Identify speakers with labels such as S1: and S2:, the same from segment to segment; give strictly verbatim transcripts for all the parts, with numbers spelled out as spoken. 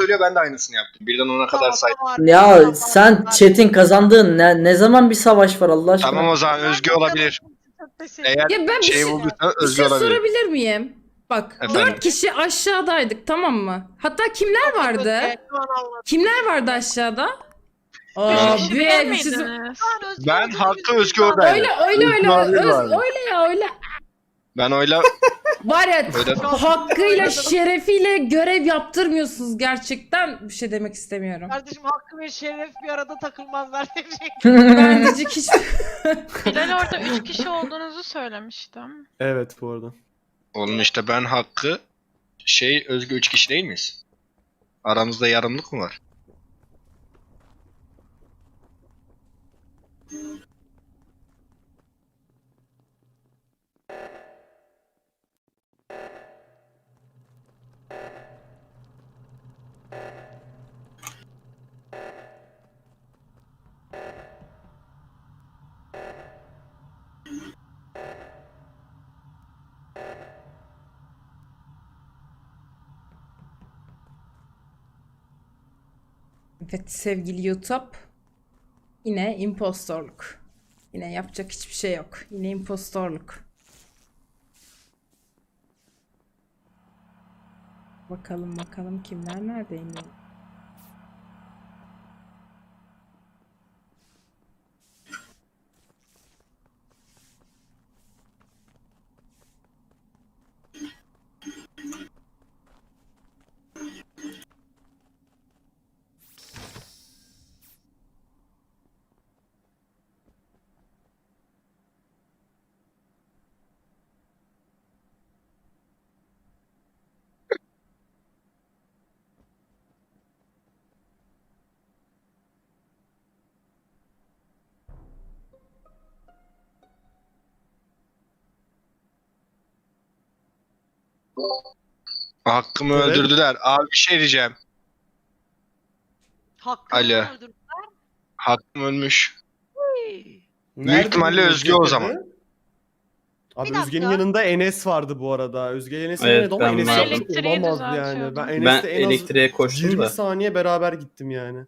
S1: söylüyor, ben de aynısını yaptım. Birden ona kadar saydım.
S2: Ya sen chat'in kazandığın ne, ne zaman bir savaş var Allah aşkına?
S1: Tamam o zaman Özge olabilir. Eğer
S3: Ya ben bir
S1: şey
S3: şey,
S1: bulduysa
S3: bir
S1: Özge
S3: şey
S1: olabilir.
S3: sorabilir miyim? Bak
S1: Efendim?
S3: dört kişi aşağıdaydık, tamam mı? Hatta kimler vardı? Kimler vardı aşağıda? Aa,
S4: Beş kişi
S3: bir,
S4: değil
S3: bir şey sor-
S4: miydiniz?
S1: Ben Hakkı Özge oradaydım.
S3: Öyle öyle öyle
S1: Olabilir
S3: öz,
S1: abi.
S3: öyle ya öyle.
S1: Ben oyla
S3: Var ya
S1: Öyle-
S3: hakkıyla şerefiyle görev yaptırmıyorsunuz gerçekten, bir şey demek istemiyorum.
S5: Kardeşim hakkı ve şeref bir arada takılmazlar diyecek.
S3: Ben diyecek hiç...
S4: Bilal orada üç kişi olduğunuzu söylemiştim.
S6: Evet bu arada.
S1: Oğlum işte ben Hakkı şey Özge üç kişi değil miyiz? Aramızda yarımlık mı var?
S3: Evet sevgili YouTube, yine impostorluk. Yine yapacak hiçbir şey yok. Yine impostorluk. Bakalım bakalım kimler neredeymiş.
S1: Hakkımı
S6: Evet.
S1: öldürdüler. Abi bir şey diyeceğim.
S5: Hakkı
S1: Alo.
S5: öldürdü.
S1: Hakkım ölmüş.
S6: Nerede
S1: ihtimalle
S6: bu
S1: Özge o
S6: cesedi?
S1: zaman.
S6: Abi
S5: Bir dakika.
S6: Özge'nin yanında Enes vardı bu arada. Özge Enes'in
S7: Evet,
S6: yanında ama
S7: ben
S6: Enes
S7: vardım.
S6: yapmış
S4: Elektriği
S6: olamaz yani.
S4: düzeltiyordum.
S6: Ben
S7: Ben
S6: Enes'le en az
S7: elektriğe koştum
S6: yirmi
S7: da.
S6: saniye beraber gittim yani.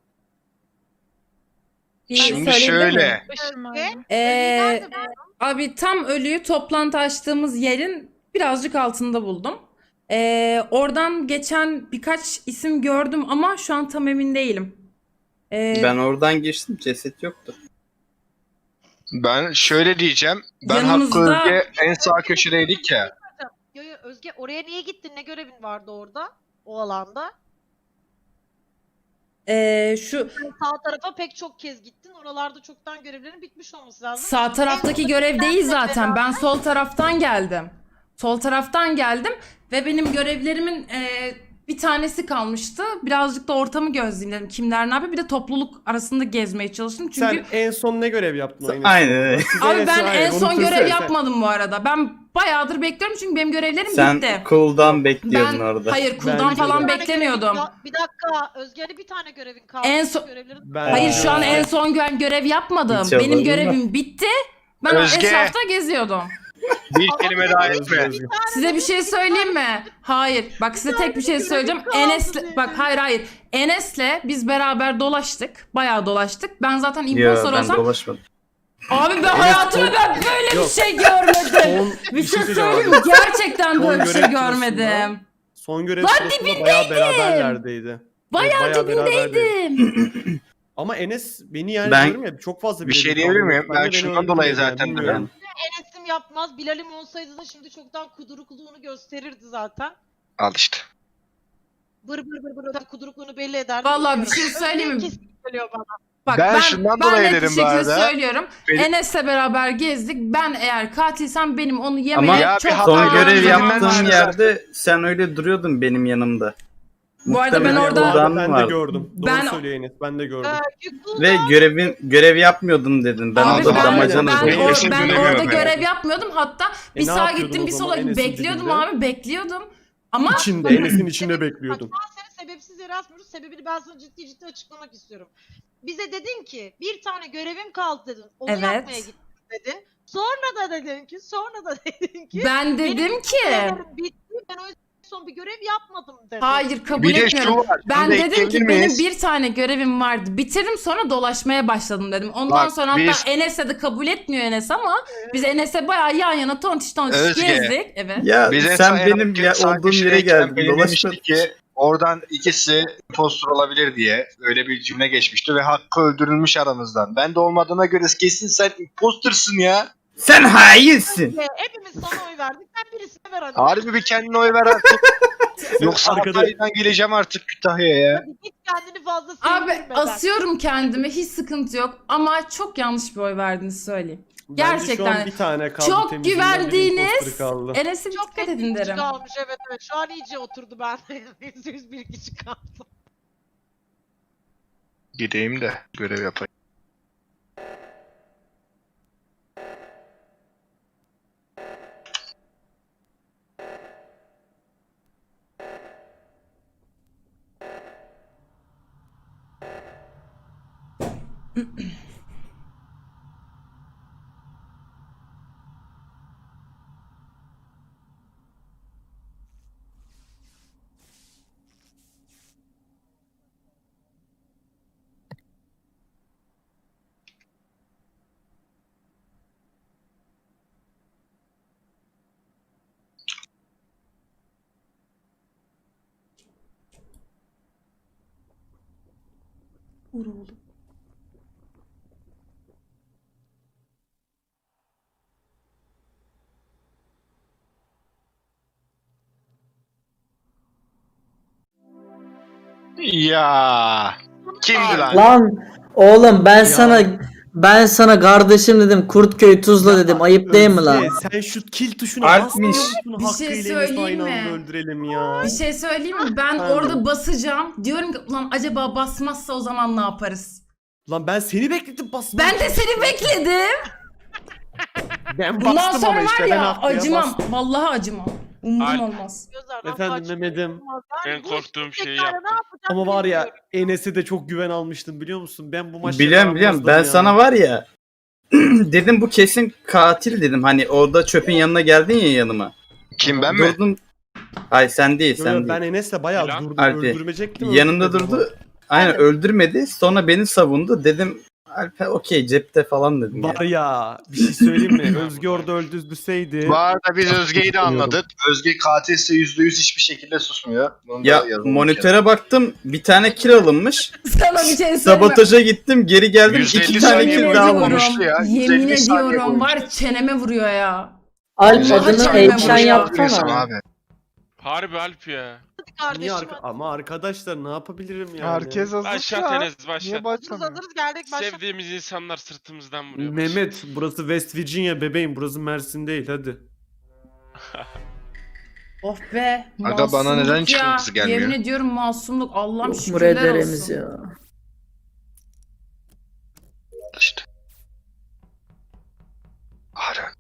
S3: Bir
S1: Şimdi
S3: söyleyebilir miyim?
S1: şöyle.
S4: Başım
S3: Ee, abi tam ölüyü toplantı açtığımız yerin birazcık altında buldum. Ee, oradan geçen birkaç isim gördüm ama şu an tam emin değilim. Ee,
S7: Ben oradan geçtim, ceset yoktu.
S1: Ben şöyle diyeceğim. Ben Hakkı
S3: Yanımızda-
S1: Özge en sağ köşedeydik ya.
S5: Yo yo Özge oraya niye gittin? Ne görevin vardı orada? O alanda.
S3: ee, şu
S5: Sen sağ tarafa pek çok kez gittin. Oralarda çoktan görevlerin bitmiş olması lazım.
S3: sağ taraftaki görev değil zaten. Ben sol taraftan geldim. Sol taraftan geldim ve benim görevlerimin ee, bir tanesi kalmıştı. Birazcık da ortamı gözlemledim. Kimler ne yapıyor? Bir de topluluk arasında gezmeye çalıştım. Çünkü
S6: Sen en son ne görev yaptın o Enes'le?
S7: Aynen öyle.
S6: Siz
S3: abi
S6: Enes'i
S3: ben
S6: aynen
S3: en son
S6: unutursun
S3: görev
S6: sen.
S3: yapmadım bu arada. Ben bayağıdır bekliyorum çünkü benim görevlerim
S7: Sen
S3: bitti.
S7: cooldown bekliyordun
S3: Ben
S7: orada.
S3: hayır cooldown
S6: Bence
S3: falan
S6: de.
S3: beklemiyordum.
S5: Ya, bir dakika Özge'de bir tane görevin kaldı.
S3: En son-
S5: Görevlerin...
S6: Ben-
S3: Hayır şu an
S6: Ee,
S3: en son gö- görev yapmadım.
S7: Hiç
S3: Benim
S7: olmadı
S3: görevim bitti. Ben
S1: Özge.
S3: etrafta geziyordum.
S1: Bir kelime daha
S6: Özge,
S1: etme.
S6: Özge.
S3: Size bir şey söyleyeyim mi? Hayır. Bak size tek bir şey söyleyeceğim.
S5: kaldı
S3: Enes'le
S5: diye.
S3: bak hayır hayır. Enes'le biz beraber dolaştık. Bayağı dolaştık. Ben zaten
S7: Yo,
S3: impostor
S7: ben
S3: olsam
S7: dolaşmadım.
S3: abi ben hayatımda ben böyle
S6: Yok.
S3: bir şey görmedim.
S6: Son,
S3: Bir şey
S6: söyleyeceğim
S3: söyleyeyim
S6: abi.
S3: mi? Gerçekten
S6: Son
S3: böyle bir şey
S6: görev
S3: görmedim.
S6: Son görev
S3: Lan
S6: sırasında bayağı beraberlerdeydi.
S3: Bayağı
S6: beraberlerdi.
S3: dibindeydim.
S6: Ama Enes beni yani
S7: Ben-
S6: diyorum ya çok fazla
S1: Bir şey
S6: birebir
S1: diyebilir
S6: kaldı.
S1: miyim?
S6: Ben de
S1: Ben
S6: beni
S1: şundan
S6: öldürmedi
S1: dolayı
S6: yani,
S1: zaten
S6: bilmiyorum.
S5: Enes'im yapmaz. Bilal'im olsaydı da şimdi çoktan kudurukluğunu gösterirdi zaten.
S1: Al işte.
S5: Bır bır bır bır kudurukluğunu belli ederdi.
S3: Vallahi bir
S5: Bilmiyorum.
S3: şey söyleyeyim mi?
S5: Özge kesin geliyor bana.
S3: Bak
S1: Ben
S3: ben,
S1: şundan
S3: ben
S1: dolayı
S3: net bir
S1: dedim bu
S3: şekilde
S1: arada.
S3: söylüyorum.
S1: Benim-
S3: Enes'le beraber gezdik. Ben eğer katilsem benim onu yemeye
S7: Ama
S1: Ya bir
S3: çok
S1: hata
S7: son
S3: daha
S1: yaptım,
S7: görev
S1: Özge'den
S3: zamanım
S7: yaptığım
S3: vardı.
S1: düşünsene.
S7: yerde sen öyle duruyordun benim yanımda.
S3: Bu arada ben
S7: Muhtemelen
S3: orada-
S7: cooldown
S6: Ben de
S7: vardı.
S6: gördüm. Doğru
S3: Ben-
S6: söylüyor Enes. Ben de gördüm.
S5: Ee, Yükbul'da
S7: Ve görevin görev yapmıyordum dedin. Ben
S3: Abi
S7: orada
S3: ben,
S7: damacana
S3: ben,
S1: Benim
S3: or-
S1: için
S3: ben
S1: göremiyorum
S3: orada
S1: yani.
S3: görev yapmıyordum. Hatta bir
S6: E, ne
S3: sağa
S6: yapıyordun
S3: gittim
S6: o
S3: bir
S6: zaman
S3: sola
S6: Enes'in
S3: bekliyordum
S6: dibinde?
S3: abi bekliyordum. Ama
S6: İçinde, Enes'in içinde bekliyordum.
S5: Bak ben seni sebepsiz yere asmıyoruz. Sebebini ben sana ciddi ciddi açıklamak istiyorum. Bize dedin ki bir tane görevim kaldı dedin. Onu
S3: Evet.
S5: yapmaya gittim dedin. Sonra da dedin ki, sonra da dedin ki
S3: ben
S5: benim
S3: dedim ki
S5: görevlerim bitti. Ben o yüzden son bir görev yapmadım dedi.
S3: Hayır kabul
S1: Bir de
S3: etmiyorum.
S1: şu var.
S3: Ben
S1: şunu da
S3: dedim ki
S1: ekleyebilir
S3: benim
S1: miyiz?
S3: bir tane görevim vardı. Bitirdim sonra dolaşmaya başladım dedim. Ondan
S1: Bak,
S3: sonra hatta
S1: biz-
S3: Enes'e de kabul etmiyor Enes ama biz Enes'e bayağı yan yana tontiş tontiş
S1: Özge.
S3: gezdik. Evet.
S7: Ya
S1: Biz en son
S7: sen
S1: en
S7: benim
S1: alt
S7: ya,
S1: saat
S7: olduğum yere
S1: işindeyken
S7: geldin.
S1: belirlemiştik
S7: Dolaşma.
S1: ki oradan ikisi impostor olabilir diye öyle bir cümle geçmişti ve Hakkı öldürülmüş aramızdan. Ben de olmadığına göre kesin sen impostorsun ya.
S7: Sen hainsin.
S5: Ve hepimiz sana oy verdik. Ben birisine ver hadi.
S1: Harbi bir kendine oy ver artık. Yoksa
S6: Arkada-
S1: Hatay'dan geleceğim artık Kütahya'ya ya.
S5: Hadi git kendini fazla
S3: Abi
S5: sevdirmeden.
S3: asıyorum kendimi hiç sıkıntı yok ama çok yanlış bir oy verdiğinizi söyleyeyim.
S6: Bence şu
S3: Gerçekten.
S6: an bir tane kaldı.
S3: Çok
S6: temizliğinden bir
S3: güvendiğiniz
S6: imposter kaldı.
S3: Enes'e bir
S5: Çok
S3: dikkat
S5: net
S3: edin
S5: bir kişi
S3: derim.
S5: kalmış evet evet. Şu an iyice oturdu ben. Yüzde yüz bir kişi kaldı.
S1: Gideyim de görev yapayım.
S3: Vur oğlum.
S1: Ya kimdi lan?
S2: Lan oğlum ben sana ben sana kardeşim dedim Kurtköy Tuzla dedim. Ayıp değil mi lan?
S6: Özge, sen şu kill tuşuna
S7: Alpmiş.
S6: basmıyor musun?
S3: Bir
S6: Hakkı
S3: şey
S6: ile Enes'i
S3: söyleyeyim
S6: aynı
S3: mi?
S6: anda öldürelim ya.
S3: Bir şey söyleyeyim mi? Ben
S6: Pardon.
S3: orada basacağım. Diyorum ki ulan acaba basmazsa o zaman ne yaparız?
S6: Lan ben seni bekledim basma.
S3: Ben de seni bekledim.
S6: Ben
S3: Bundan
S6: bastım
S3: sonra
S6: ama işte
S3: var
S6: ben
S3: ya
S6: Hakkı'ya
S3: acımam.
S6: bastım.
S3: Vallahi acımam. Umudum
S8: Alp.
S3: olmaz.
S5: Gözlerden
S6: Efendim
S5: kaçtı.
S6: Mehmet'im.
S8: Ben
S5: bu
S8: korktuğum
S5: işte
S8: şeyi
S5: tekrar
S8: yaptım.
S5: ne yapacağım
S6: Ama var ya
S5: bilmiyorum.
S6: Enes'e de çok güven almıştım biliyor musun? Ben bu maçta
S7: Biliyorum biliyorum. Ben sana var ya dedim bu kesin katil dedim. Hani orada çöpün yanına geldin ya yanıma.
S1: Kim ben mi?
S7: Durdum. Ay sen değil sen
S6: Yo, yo,
S7: değil.
S6: ben Enes'le bayağı
S8: Lan.
S6: durdum
S7: Alp'i.
S6: öldürmeyecektim.
S7: Yanında
S6: öldürmedim
S7: durdu. Aynen öldürmedi. Sonra beni savundu. Dedim Alper okey cepte falan dedim.
S6: ama.
S7: Ya.
S6: Var ya bir şey söyleyeyim mi? Özge orada öldürseydi.
S1: Bu arada biz Özge'yi de anladık. Özge katilse yüzde yüz hiçbir şekilde susmuyor. Bunu da
S7: Ya
S1: yazalım bir kere.
S7: monitöre baktım bir tane kill alınmış.
S3: Sana bir şey söyleyeyim mi?
S7: Sabotaja gittim geri geldim
S1: yüzde elli
S7: iki tane
S1: saniye
S7: kill
S3: Yemin
S7: daha
S1: boyunca
S7: alınmış.
S1: konuştu ya.
S3: Yemin
S1: yüz elli saniye
S3: ediyorum
S1: boyunca.
S3: var çeneme vuruyor ya.
S2: Alp
S1: Yüz elli
S2: adını
S1: saniye
S3: Eyşan
S2: Eyşan
S1: boyunca
S3: yapsana.
S1: konuşuyorsun
S2: yapsana.
S1: Abi.
S8: Harbi Alp ya.
S5: Hadi
S6: Niye
S5: kardeşim.
S6: arka- ama arkadaşlar ne yapabilirim yani?
S9: Herkes hazır
S8: Başlat
S9: ya.
S8: Enes
S9: Niye
S8: başlat.
S5: Hazırız
S9: başlamıyor?
S5: hazırız geldik başla.
S8: Sevdiğimiz insanlar sırtımızdan vuruyor.
S6: Mehmet burası West Virginia bebeğim burası Mersin değil hadi.
S3: Of be.
S1: Aga, bana
S3: masumluk
S1: neden
S3: ya.
S1: çıkıntısı gelmiyor?
S3: Yemin ediyorum masumluk. Allah'ım
S2: Umur
S3: şükürler
S2: ederimiz
S3: olsun.
S2: ya.
S1: İşte. Ara.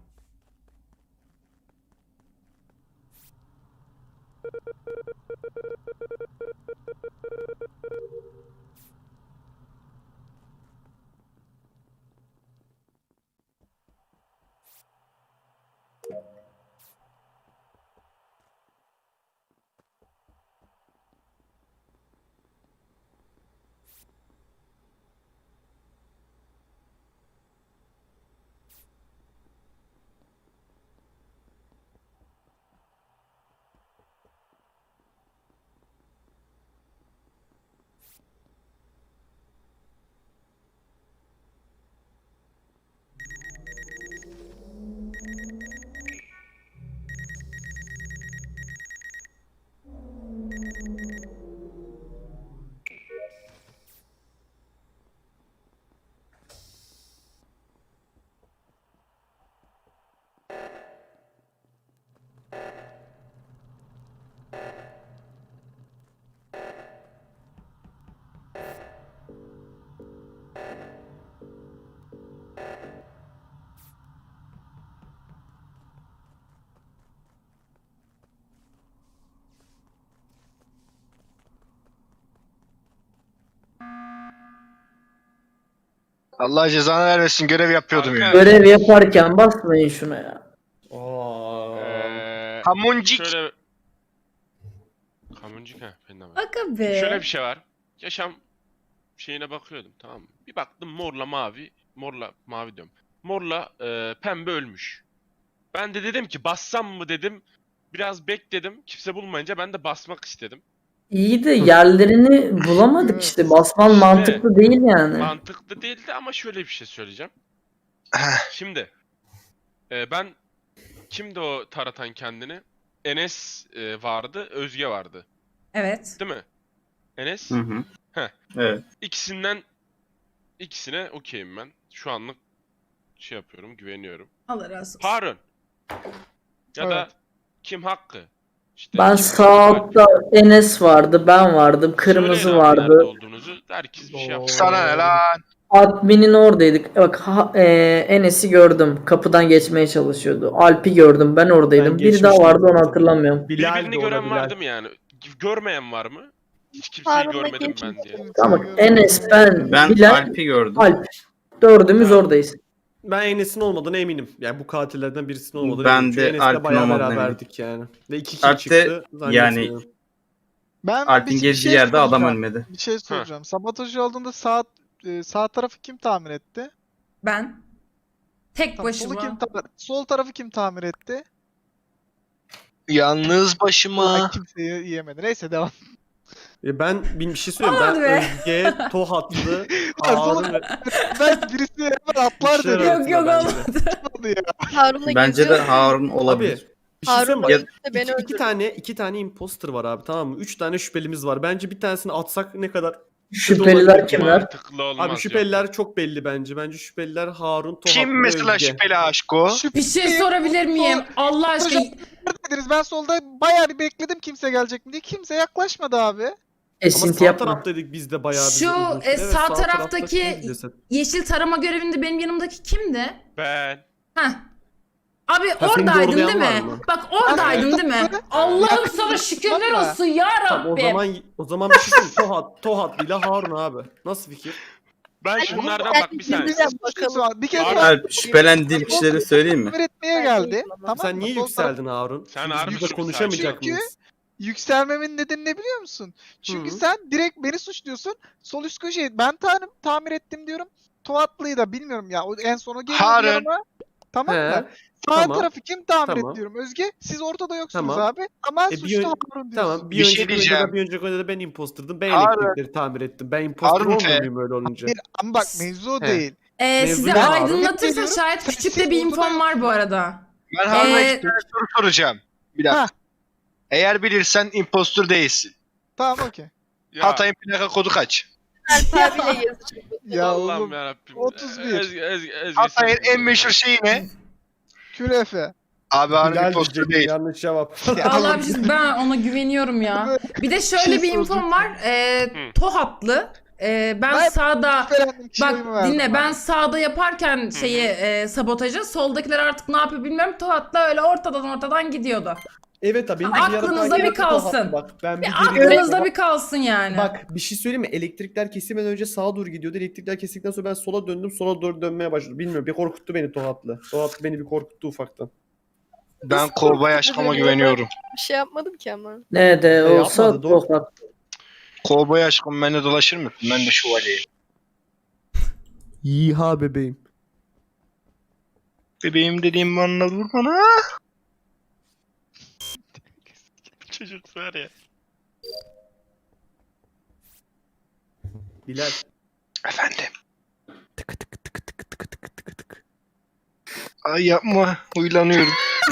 S1: Allah cezanı vermesin, görev yapıyordum ya.
S2: Görev yaparken basmayın şuna ya.
S6: Aa.
S8: Ee,
S1: Kamuncik.
S8: şöyle boncuk ha. Ben de var.
S3: Aga be.
S8: Şöyle bir şey var. Yaşam şeyine bakıyordum, tamam mı? Bir baktım morla mavi, morla mavi diyorum. Morla e, pembe ölmüş. Ben de dedim ki bassam mı dedim. Biraz bekledim. Kimse bulmayınca ben de basmak istedim.
S2: İyi de yerlerini bulamadık işte. Basman
S8: İşte.
S2: mantıklı değil yani.
S8: Mantıklı değildi ama şöyle bir şey söyleyeceğim. Şimdi e, ben kimdi o taratan kendini? Enes e, vardı, Özge vardı.
S3: Evet.
S8: Değil mi? Enes?
S7: Hı hı.
S8: Heh.
S7: Evet.
S8: İkisinden ikisine okeyim ben. Şu anlık şey yapıyorum, güveniyorum.
S3: Allah razı olsun.
S8: Harun. Ya da kim Hakkı? İşte
S2: Ben
S8: kim
S2: sağ
S8: Hakkı?
S2: altta Enes vardı, ben vardım, kırmızı
S8: Söyleyin abi nerede
S2: vardı.
S8: olduğunuzu. Herkes bir şey yapsın.
S1: Sana ne lan?
S2: Admin'in oradaydık. Bak ha- e, Enes'i gördüm. Kapıdan geçmeye çalışıyordu. Alp'i gördüm. Ben oradaydım.
S6: Ben
S2: Biri daha
S6: geçmiştim
S2: vardı, onu
S6: zaten.
S2: hatırlamıyorum.
S6: Bilal
S8: Birbirini
S6: de
S8: gören
S6: olabilir.
S8: var değil mi yani? Görmeyen var mı? Hiç kimseyi
S9: Harun'la
S8: görmedim ben diye.
S2: Tamam bak, Enes, ben,
S7: Ben
S2: Bilal,
S7: Alp'i gördüm.
S2: Alp. Dördümüz
S8: Tamam.
S2: oradayız.
S6: Ben Enes'in olmadığına eminim. Yani bu katillerden birisinin olmadığına
S7: Ben
S6: eminim. Çünkü
S7: de
S6: Enes'le
S7: Alp'in
S6: bayağı
S7: olmadığına
S6: beraberdik yani. Ve iki kill
S7: Alp de
S6: çıktı.
S7: yani-
S6: zannetmiyorum.
S10: Ben
S7: Alp'in
S10: bir, bir
S7: gezdiği
S10: şey
S7: yerde adam
S10: soracağım.
S7: ölmedi.
S10: Bir şey soracağım. Sabotaj olduğunda sağ e, sağ tarafı kim tamir etti?
S3: Ben. Tek
S10: Tamam, solu
S3: başıma.
S10: kim ta- sol tarafı kim tamir etti?
S1: Yalnız başıma.
S10: Ay, kimseyi yiyemedi. Neyse devam.
S6: E ben bir bir şey söyleyeyim. Ben
S3: Olmadı be.
S6: Özge, Tohatlı,
S10: Lan solu
S6: Harun ve...
S10: ben birisi hemen atlar
S6: İşler
S10: dedim.
S3: Yok yok
S6: arasında
S3: olmadı.
S10: Olmadı ya.
S9: Harun'la
S7: Bence de
S9: geziyordu.
S7: Harun
S6: Abi
S7: olabilir.
S6: bir şey söyleyeyim mi?
S9: Harun'la
S6: Bak,
S9: birlikte beni
S6: iki, iki
S9: öldürdü.
S6: tane iki tane imposter var abi, tamam mı? Üç tane şüphelimiz var. Bence bir tanesini atsak ne kadar...
S2: Şüpheliler kimler?
S8: Mantıklı olmaz.
S6: Abi şüpheliler çok belli bence. Bence şüpheliler Harun, Tohatlı
S1: Kim
S6: ve
S1: mesela
S6: Özge.
S1: şüpheli aşko?
S3: Bir şey sorabilir miyim? Allah aşkına.
S10: Dediniz ben solda bayağı bir bekledim kimse gelecek mi diye. Kimse yaklaşmadı abi.
S6: Ama
S2: Esinti
S6: sağ
S2: yapma.
S6: taraftaydık biz de bayağı bir
S3: Şu,
S6: uzun süre.
S3: e,
S6: Evet,
S3: sağ
S6: tarafta
S3: taraftaki-
S6: kimdi ceset?
S3: Yeşil tarama görevinde benim yanımdaki kimdi?
S8: Ben.
S3: Heh. Abi
S6: Ha, seni
S3: oradaydın değil
S6: doğrulayan var
S3: mi?
S6: mı?
S3: Bak oradaydın değil mi? Allah'ım sana şükürler olsun ya
S6: Tamam, o
S3: Rabbim.
S6: zaman o zaman bir şey söyleyeyim. Tohat, Tohatlı ile Harun abi. Nasıl fikir?
S8: Ben şunlardan
S9: Ben
S8: bak bir saniye.
S9: birbirine bakalım.
S10: Bir kere
S8: Abi-
S10: sol
S7: Alp şüphelendiğim kişileri söyleyeyim mi?
S10: tamir etmeye
S9: Ben
S10: geldi.
S9: değilim
S10: Tamam
S6: Sen
S10: mı?
S6: niye
S10: Sol
S6: yükseldin Harun?
S8: Sen
S6: Biz
S8: harbi
S6: burada
S8: yükseldin.
S6: konuşamayacak
S10: Çünkü-
S6: mıyız?
S10: Yükselmemin nedeni ne biliyor musun? Çünkü
S6: Hı.
S10: sen direkt beni suçluyorsun. Sol üst köşeyi ben tam, tamir ettim diyorum. Tuatlı'yı da bilmiyorum ya. O en sonu geliyor
S1: Harun.
S10: yanıma. Tamam
S6: He.
S10: mı? Sağ
S6: tamam.
S10: tarafı kim tamir
S6: Tamam.
S10: etti diyorum. Özge siz ortada yoksunuz
S6: Tamam.
S10: abi. Ama
S6: E, bir
S10: suçlu
S6: ön-
S10: Harun diyorsun.
S6: Tamam. Bir,
S1: Bir şey
S6: önceki
S1: diyeceğim.
S6: oyunda da bir önceki oyunda da ben impostırdım. Ben
S1: Harun.
S6: elektrikleri tamir ettim. Ben impostor
S1: Harun
S6: olmuyor
S1: F.
S6: muyum öyle olunca?
S10: Bir- ama bak mevzu o
S6: He.
S10: değil.
S3: Ee,
S6: Mevzu
S3: size
S6: ne abi?
S3: aydınlatırsa
S10: Biliyorum.
S3: şayet
S10: Sen-
S3: küçük de
S10: siz
S3: bir
S10: ortada
S3: infom var bu arada.
S1: Ben Harun'a
S3: Ee,
S1: iki tane soru soracağım. Bir dakika.
S10: Ha.
S1: Eğer bilirsen impostor değilsin.
S10: Tamam okey.
S8: Ya,
S1: Hatay'ın plaka kodu kaç?
S9: Alp abiyle gezeceğim.
S10: Ya
S8: Allah'ım
S10: oğlum
S8: yarabbim.
S10: otuz bir.
S8: Ezgi, Ezgi, Ezgi,
S1: Hatay'ın
S8: sen-
S1: en meşhur şeyi ne?
S10: kürefe.
S1: Abi Harun
S6: Bilal
S1: impostor
S6: diyecektim,
S1: değil.
S6: yanlış cevap.
S3: Allah bir şey, ben ona güveniyorum ya. Bir de şöyle
S10: Şey
S3: bir infom
S10: soracağım.
S3: var. Ee,
S8: Hı.
S3: Tohatlı. Ee, ben
S10: Ben-
S3: sağda
S10: Şüphelendim kişiye
S3: bak
S10: oyumu verdim
S3: dinle
S10: abi.
S3: ben sağda yaparken şeyi e, sabotajı soldakiler artık ne yapıyor bilmiyorum. Tohatlı öyle ortadan ortadan gidiyordu.
S6: Evet abi. benim
S3: Ha,
S6: bir yarı
S3: aklınızda
S6: takip
S3: bir
S6: ettim, Tohatlı.
S3: kalsın.
S6: Bak ben bir
S3: Bir
S6: geride-
S3: aklınızda bir kalsın yani.
S6: Bak bir şey söyleyeyim mi? Elektrikler kesilmeden önce sağa doğru gidiyordu. Elektrikler kesildikten sonra ben sola döndüm. Sola doğru dönmeye başladım. Bilmiyorum. Bir korkuttu beni Tohatlı. Tohatlı beni bir korkuttu ufaktan.
S1: Ben kovboy aşkıma güveniyorum.
S9: Bir şey yapmadım ki ama.
S2: Ne de olsa
S6: yapmadı, doğru.
S2: Tohat.
S1: Kovboy aşkım benimle dolaşır mısın? Ben de şövalyeyim.
S6: Yiha bebeğim.
S1: Bebeğim dediğim bana vur bana.
S8: Çocuk var ya.
S6: Bilal.
S1: Efendim. Ay yapma. Huylanıyorum.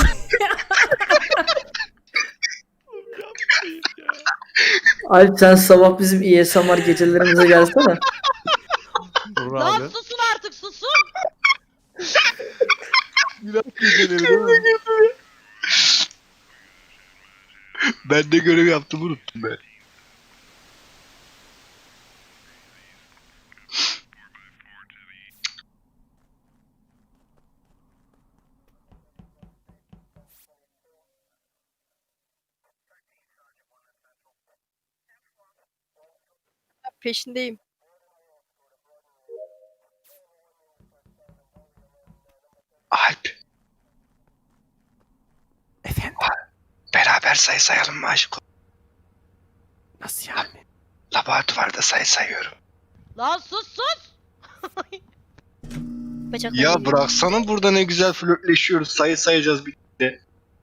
S2: Alp sen sabah bizim İ S M R gecelerimize gelsene.
S6: Dur
S5: Lan
S6: abi.
S5: susun artık susun.
S10: Gülen geceleri değil mi?
S1: Ben de görev yaptım unuttum ben.
S9: Peşindeyim.
S1: Alp. Efendim? Beraber sayı sayalım mı aşkım? Laboratuvarda sayı sayıyorum.
S5: Lan sus sus.
S9: Bacaklarım
S1: Ya
S9: yiyor.
S1: bıraksana, burada ne güzel flörtleşiyoruz. Sayı sayacağız bir de.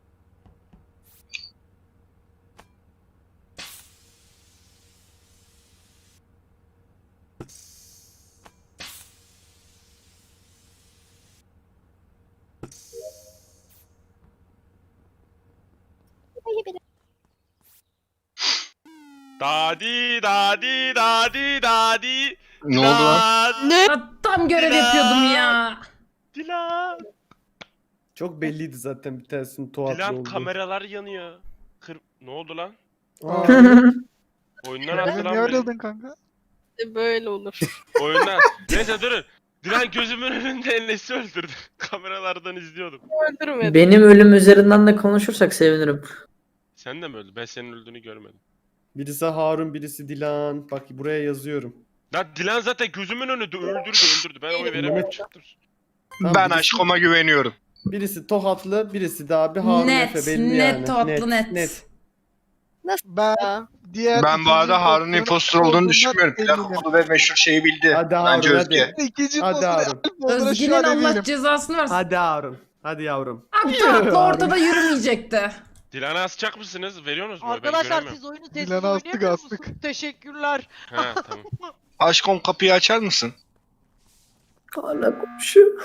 S8: Dadi dadi dadi dadi.
S1: Ne oldu lan?
S8: Dilan,
S9: Ne?
S3: Ya tam görev yapıyordum ya.
S8: Dilan.
S6: Çok belliydi zaten bir tanesinin Tohatlı
S8: Dilan
S6: olduğu.
S8: kameralar yanıyor. Kır... Ne oldu lan?
S6: Aa,
S8: Oyundan
S10: Niye
S8: attı lan beni.
S10: ayrıldın kanka?
S9: Böyle olur.
S8: Oyundan. Neyse durun. Dilan gözümün önünde Enes'i öldürdü. Kameralardan izliyordum.
S9: Öldürmedim.
S2: Benim ölüm üzerinden de konuşursak sevinirim.
S8: Sen de mi öldün? Ben senin öldüğünü görmedim.
S6: birisi Harun, birisi Dilan. Bak buraya yazıyorum.
S8: Lan Dilan zaten gözümün önünde öldürdü öldürdü. Ben oy veremiyorum
S6: Mehmet-
S8: çıktım.
S6: Tamam,
S1: Ben
S6: birisi-
S1: aşkıma güveniyorum.
S6: Birisi Tohatlı, birisi de abi Harun
S3: Net,
S6: Efe belli
S3: net
S6: yani.
S3: Tohatlı, net.
S10: Ben
S9: Ya.
S10: diğer
S1: Ben bu
S10: ikinci
S1: arada Harun
S10: impostorun
S1: impostor olduğunu
S10: olduğundan
S1: düşünmüyorum.
S10: eminim.
S1: Plak ve meşhur şeyi bildi.
S6: Hadi
S1: Bence
S6: Harun,
S1: Özge.
S6: hadi.
S10: İkinci
S6: Hadi
S10: impostor
S6: Harun.
S10: Alp olduğuna şu
S3: Özge'nin
S10: an
S3: Allah
S10: eminim.
S3: cezasını versin.
S6: Hadi Harun. Hadi yavrum.
S3: Abi tatlı ortada yürümeyecekti.
S8: Dilan'ı asacak mısınız? Veriyorsunuz mu? Ben
S5: Arkadaşlar
S8: göremiyorum.
S5: siz oyunu sessiz
S10: Dilan'ı astık,
S5: oynayamıyor
S10: astık.
S5: musunuz? Teşekkürler.
S8: Ha tamam.
S1: Aşkım kapıyı açar mısın?
S2: Hala konuşuyor.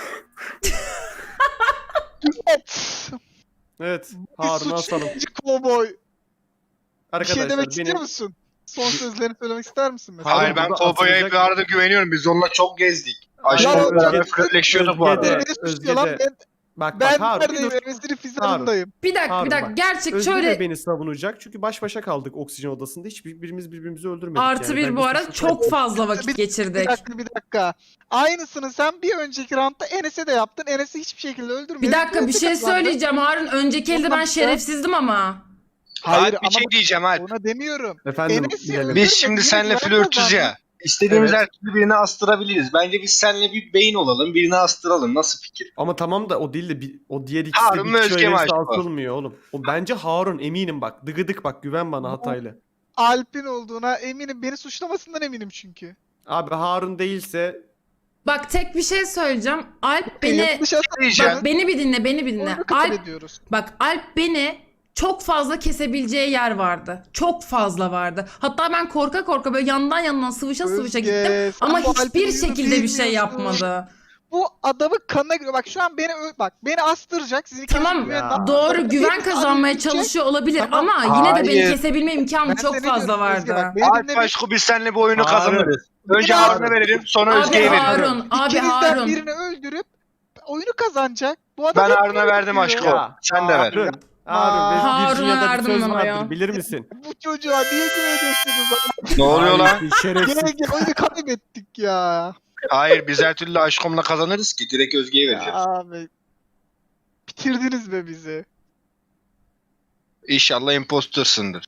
S6: Evet.
S10: Bir
S6: Harun asalım.
S10: suçlayıcı kovboy. Bir
S6: Arkadaşlar
S10: şey demek
S6: benim...
S10: istiyor musun? Son sözlerini söylemek ister misin mesela?
S1: Hayır, ben
S6: burada
S1: kovboya
S6: atılacak-
S1: bir arada güveniyorum. Biz onunla çok gezdik.
S10: Ya,
S1: Aşkımla beraber
S10: Özge-
S1: flörtleşiyorduk bu
S6: Özge de-
S1: arada.
S10: Beni suçluyor lan.
S6: Özge de-
S10: Ben,
S6: Bak bak
S10: ben
S6: Harun. bir
S10: neredeyim?
S6: dur.
S10: Enes'in fizarındayım.
S3: Bir dakika
S6: Harun
S3: bir dakika
S6: bak.
S3: gerçek
S6: Özge
S3: şöyle
S6: de beni savunacak çünkü baş başa kaldık oksijen odasında. Hiçbirimiz birbirimizi öldürmedik.
S3: artı
S6: yani.
S3: bir
S6: Ben
S3: bu
S6: bir
S3: arada
S6: suçlu
S3: çok
S6: değilim.
S3: fazla vakit
S10: Bir- Bir
S3: geçirdik.
S10: dakika bir dakika. Aynısını sen bir önceki roundda Enes'e de yaptın. Enes'i hiçbir şekilde öldürmedin.
S3: Bir dakika bir
S10: Enes
S3: şey
S10: kazandı.
S3: söyleyeceğim Harun. Önceki elde ben
S10: Tamam,
S3: şerefsizdim ama.
S10: Hayır
S1: Hayır, bir
S10: ama
S1: şey diyeceğim Alp.
S10: ona demiyorum.
S6: Efendim
S10: Enes'i
S6: bilelim.
S10: öldür-
S1: Biz şimdi
S10: Öldürmedi,
S1: seninle
S10: yine
S1: flörtüz
S10: kazandı.
S1: ya. İstediğimiz
S6: Evet.
S1: her türlü birine astırabiliriz. Bence biz seninle bir beyin olalım, birini astıralım. Nasıl fikir?
S6: Ama tamam da o değil de bir, o diğer ikisi
S1: Harun
S6: de
S1: mu,
S6: bir
S1: Özge
S6: kişi
S1: mi
S6: önerisi
S1: acaba?
S6: asılmıyor oğlum. O bence Harun eminim bak. Dıgıdık bak güven bana hataylı.
S10: Alp'in olduğuna eminim. Beni suçlamasından eminim çünkü.
S6: Abi Harun değilse
S3: Bak tek bir şey söyleyeceğim. Alp beni
S10: Yanlış hata-
S1: Diyeceğim.
S3: bak beni bir dinle, beni bir dinle.
S10: Oyunu kabul
S3: Alp
S10: ediyoruz.
S3: bak Alp beni çok fazla kesebileceği yer vardı. Çok fazla vardı. Hatta ben korka korka böyle yandan yandan sıvışa sıvışa
S10: Özge,
S3: gittim
S10: sen
S3: ama
S10: bu Alp'in
S3: hiçbir
S10: oyunu
S3: şekilde bir şey
S10: bilmiyorsun.
S3: yapmadı.
S10: Bu adamın kanına göre bak şu an beni ö- bak beni astıracak. Sizin ikiniz
S3: Tamam
S10: güvenden-
S3: doğru güven
S10: Hepsi
S3: kazanmaya
S10: gidecek.
S3: çalışıyor olabilir
S10: Tamam.
S3: ama yine de beni
S1: Hayır.
S3: kesebilme imkanı
S10: Ben
S3: çok
S10: seni
S3: fazla
S10: diyorum Özge,
S3: vardı.
S10: bak, beni
S1: Alp
S10: dinle,
S1: aşkı biz seninle bu oyunu
S6: Harun.
S1: kazanırız. Önce
S10: Harun.
S1: Harun'a verelim, sonra
S3: Abi
S1: Özge'ye verelim.
S3: Harun, abi
S10: İkinizden
S3: Harun.
S10: birini öldürüp oyunu kazanacak. Bu adam
S1: Ben
S10: hep
S1: Harun'a
S10: böyle
S1: verdim
S10: yapıyor.
S1: aşkım.
S6: Ya,
S1: Sen de ver.
S6: Harun. Harun ve
S3: Harun'a
S6: Virginia'da bir
S3: verdim
S6: söz
S3: ben
S6: vardır
S3: ya.
S6: bilir misin?
S10: Bu çocuğa niye güveniyorsunuz?
S1: Ne oluyor lan?
S6: Hainsin, şerefsiz.
S10: Gene gene oyunu kaybettik ya.
S1: Hayır, biz her türlü aşkımla kazanırız ki. Direkt Özge'ye
S10: Ya
S1: vereceğiz.
S10: abi. Bitirdiniz be bizi.
S1: İnşallah impostörsündür.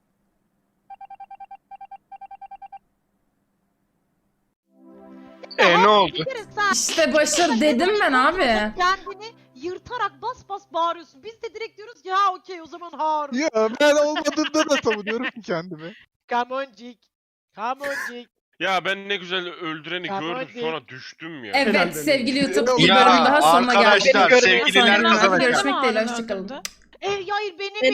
S1: E ne oldu?
S5: Bir kere sen
S3: İşte başarı dedim ben abi.
S5: kendini yırtarak bas bas bağırıyorsun. Biz de direkt diyoruz ki ha okey o zaman Harun.
S10: Ya ben olmadığımda da savunuyorum ki kendimi.
S5: Come on Jig. Come on Jig.
S8: Ya ben ne güzel öldüreni
S5: Tamam,
S8: gördüm
S5: hadi.
S8: sonra düştüm ya.
S6: Helal
S3: Evet
S6: be.
S3: sevgili YouTube
S10: Ya,
S3: bir bölüm daha sonuna geldik.
S1: arkadaşlar,
S3: Beni görmeye
S1: sevgililer
S3: sonra
S1: kazanacak.
S3: görüşmek dileğiyle hoşçakalın.
S5: E hayır benim
S9: Benim